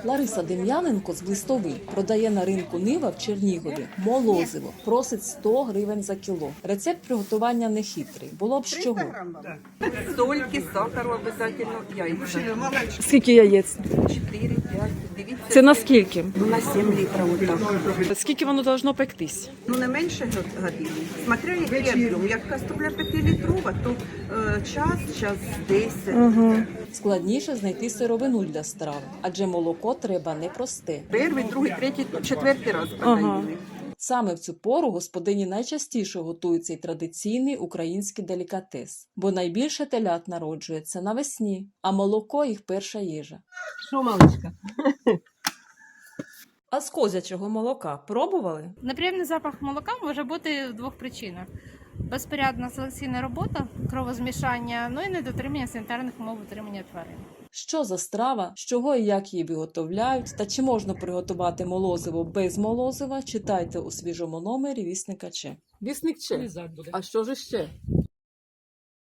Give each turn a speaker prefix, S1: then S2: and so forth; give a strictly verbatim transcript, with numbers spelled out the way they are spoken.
S1: Лариса Дем'яненко з Блистовий продає на ринку Нива в Чернігові молозиво. Просить сто гривень за кіло. Рецепт приготування нехитрий. Було б з чого.
S2: Сольки, сахару обов'язково, яйця.
S1: Скільки яєць?
S2: чотири п'ять Дивіться.
S1: Це на скільки?
S2: Ну, на сім літрів отак.
S1: Скільки воно должно пектись?
S2: Ну, не менше години. Смотря як я беру. Як каструля п'ятилітрова, то е, час, час десять.
S1: Складніше знайти сировину для страви, адже молоко треба непросте.
S2: Перший, другий, третій, четвертий раз подаїли.
S1: Саме в цю пору господині найчастіше готують цей традиційний український делікатес, бо найбільше телят народжується навесні, а молоко – їх перша їжа.
S3: Що, маличка?
S1: А з козячого молока пробували?
S4: Неприємний запах молока може бути в двох причинах: безпорядна селекційна робота, кровозмішання, ну і недотримання санітарних умов утримання тварин.
S1: Що за страва, з чого і як її виготовляють, та чи можна приготувати молозиво без молозива, читайте у свіжому номері «Вісника Че». Вісник Че. А що ж ще?